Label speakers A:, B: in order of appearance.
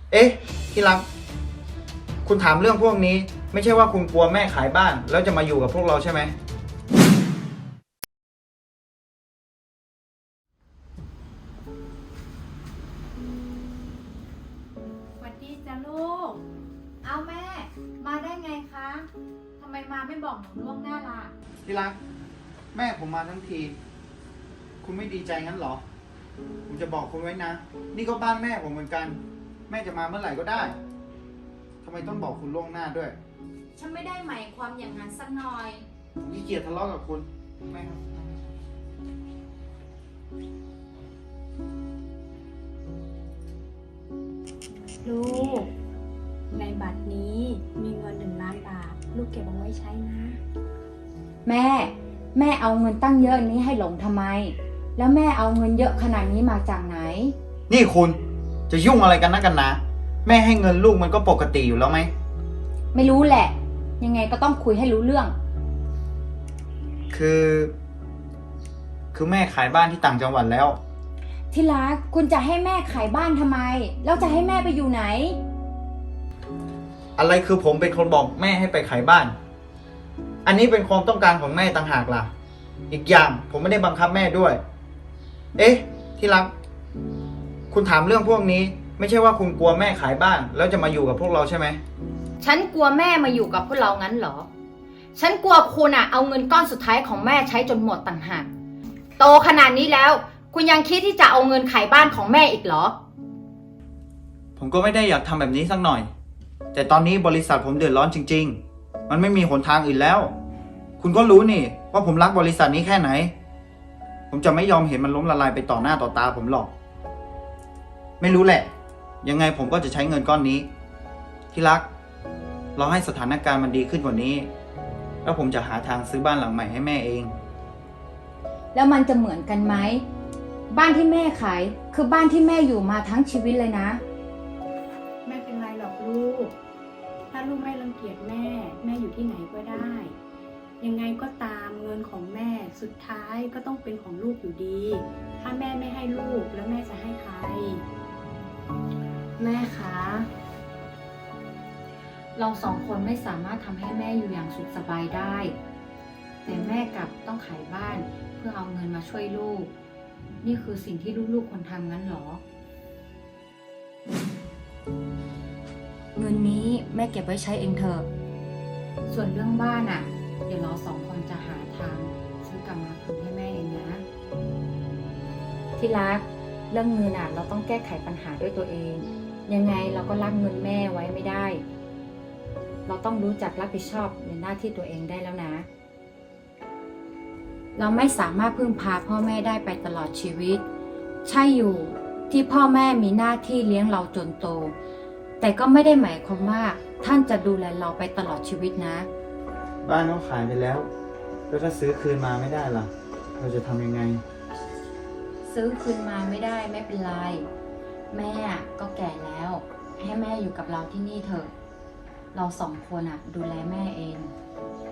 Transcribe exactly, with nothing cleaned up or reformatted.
A: เอ๊ะที่รักคุณถามเรื่องพวกนี้ไม่ใช่ว่าคุณกลัวแม่ขายบ้านแล้วจะมาอยู่กับพวกเราใช่ไหม
B: สวัสดีจ้ะลูก เอาแม่ มาได้ไงคะ ทำไมมาไม่บอกหนูล่วงหน้าล่ะ
A: ที่รักแม่ผมมาทั้งที คุณไม่ดีใจงั้นเหรอ ผมจะบอกคุณไว้นะ นี่ก็บ้านแม่ผมเหมือนกัน แม่จะมาเมื่อไหร่ก็ได้ทำไมต้องบอกคุณล่วงหน้าด้วย
B: ฉันไม่ได้หมายความอย่างนั้นสักหน่อย
A: ผมขี้เกียจทะเลาะกับคุณแม่ครับ
C: ลูก ในบัตรนี้มีเงินหนึ่งล้านบาท ลูกเก็บเอาไว้ใช้นะ
D: แม่ แม่เอาเงินตั้งเยอะนี้ให้หลงทำไม แล้วแม่เอาเงินเยอะขนาดนี้มาจากไหน
A: นี่คุณจะยุ่งอะไรกันนักกันนะ แม่ให้เงินลูกมันก็ปกติอยู่แล้วไหม
D: ไม่รู้แหละ ยังไงก็ต้องคุยให้รู้เรื่อง
A: คือ คือแม่ขายบ้านที่ต่างจังหวัดแล้ว
D: ที่รักคุณจะให้แม่ขายบ้านทำไม แล้วจะให้แม่ไปอยู่ไหน
A: อะไรคือผมเป็นคนบอกแม่ให้ไปขายบ้าน อันนี้เป็นความต้องการของแม่ต่างหากล่ะ อีกอย่างผมไม่ได้บังคับแม่ด้วย เอ๊ะ ที่รัก คุณถามเรื่องพวกนี้ ไม่ใช่ว่าคุณกลัวแม่ขายบ้านแล้วจะมาอยู่กับพวกเราใช่ไหม
D: ฉันกลัวแม่มาอยู่กับพวกเรางั้นเหรอ ฉันกลัวคุณอะเอาเงินก้อนสุดท้ายของแม่ใช้จนหมดต่างหาก โตขนาดนี้แล้ว คุณยังคิดที่จะเอาเงินขายบ้านของแม่อีกเหรอ
A: ผมก็ไม่ได้อยากทำแบบนี้สักหน่อย แต่ตอนนี้บริษัทผมเดือดร้อนจริงๆ มันไม่มีหนทางอื่นแล้ว คุณก็รู้นี่ว่าผมรักบริษัทนี้แค่ไหน ผมจะไม่ยอมเห็นมันล้มละลายไปต่อหน้าต่อตาผมหรอก ไม่รู้แหละ ยังไงผมก็จะใช้เงินก้อนนี้ ที่รัก เราให้สถานการณ์มันดีขึ้นกว่านี้ แล้วผมจะหาทางซื้อบ้านหลังใหม่ให้แม่เอง
D: แล้วมันจะเหมือนกันไหม บ้านที่แม่ขายคือบ้านที่แม่อยู่มาทั้งชีวิตเลยนะ
C: ไม่เป็นไรหรอกลูก ถ้าลูกไม่รังเกียจแม่ แม่อยู่ที่ไหนก็ได้ ยังไงก็ตามเงินของแม่สุดท้ายก็ต้องเป็นของลูกอยู่ดี ถ้าแม่ไม่ให้ลูกแล้วแม่จะให้ใคร
D: แม่คะ เราสองคนไม่สามารถทำให้แม่อยู่อย่างสุขสบายได้ แต่แม่กลับต้องขายบ้านเพื่อเอาเงินมาช่วยลูก นี่คือสิ่งที่ลูกๆควรทำงั้นเหรอ เงินนี้แม่เก็บไว้ใช้เองเถอะ ส่วนเรื่องบ้านอ่ะ เดี๋ยวเราสองคนจะหาทางซื้อกลับมาคืนให้แม่เองนะ ที่รัก เรื่องเงินอ่ะเราต้องแก้ไขปัญหาด้วยตัวเอง ยังไงเราก็รักเงินแม่ไว้ไม่ได้ เราต้องรู้จักรับผิดชอบในหน้าที่ตัวเองได้แล้วนะ เราไม่สามารถพึ่งพาพ่อแม่ได้ไปตลอดชีวิต ใช่อยู่ที่พ่อแม่มีหน้าที่เลี้ยงเราจนโต แต่ก็ไม่ได้หมายความว่าท่านจะดูแลเราไปตลอดชีวิตนะ
A: บ้านเขาขายไปแล้ว แล้วถ้าซื้อคืนมาไม่ได้ล่ะ เราจะทำยังไง
D: ซื้อคืนมาไม่ได้ไม่เป็นไร แม่ก็แก่แล้ว ให้แม่อยู่กับเราที่นี่เถอะ เราสองคนอ่ะ ดูแลแม่เอง